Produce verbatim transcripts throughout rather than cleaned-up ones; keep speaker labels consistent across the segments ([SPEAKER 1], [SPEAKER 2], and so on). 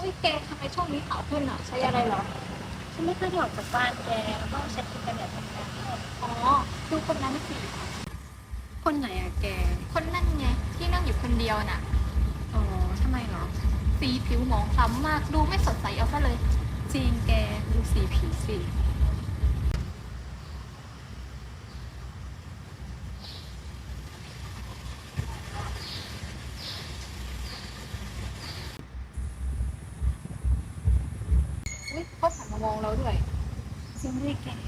[SPEAKER 1] ฮ้ยแกทำไมช่วงนี้ขาวขึ้นอ่ะใช้อะไรเหรอ
[SPEAKER 2] ฉันไม่เคยได้ออกจากบ้านแกแล้วก็ใช้ครีมกันแดดทำงาน
[SPEAKER 1] อ๋อดูคนนั้นสิ
[SPEAKER 2] คนไหนอะแก
[SPEAKER 1] คนนั่นไงที่นั่งอยู่คนเดียวน่ะ
[SPEAKER 2] อ๋อทำไมเหรอ
[SPEAKER 1] สีผิวหมองคล้ำมากดูไม่สดใสเอาซะเลย
[SPEAKER 2] จริงแกดูสีผิวสิ
[SPEAKER 1] อุ้ยเขาหันมามองเราด้วย
[SPEAKER 2] จริงด้วยแก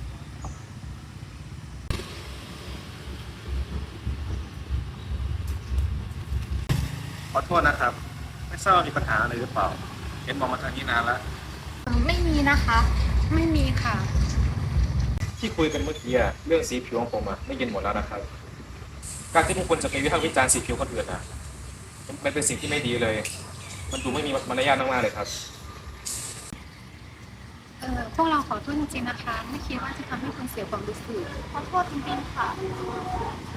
[SPEAKER 3] ขอโทษนะครับไม่ทราบว่ามีปัญหาอะไรหรือเปล่าเห็นมองมาทางนี้นานแล้ว
[SPEAKER 1] เออไม่มีนะคะ
[SPEAKER 2] ไม่มีค่ะ
[SPEAKER 3] ที่คุยกันเมื่อกี้อะเรื่องสีผิวของผมอะได้ยินหมดแล้วนะครับการที่พวกคุณจะไปวิพากษ์วิจารณ์สีผิวคนอื่นอะมันมันเป็นสิ่งที่ไม่ดีเลย มันดูไม่มีมารยาทมากๆเลยครับ
[SPEAKER 2] เออพวกเราขอโทษจริงๆนะคะไม่คิดว่าจะทำให้คุณเสียความรู้สึก
[SPEAKER 1] ขอโทษจริงๆค่ะ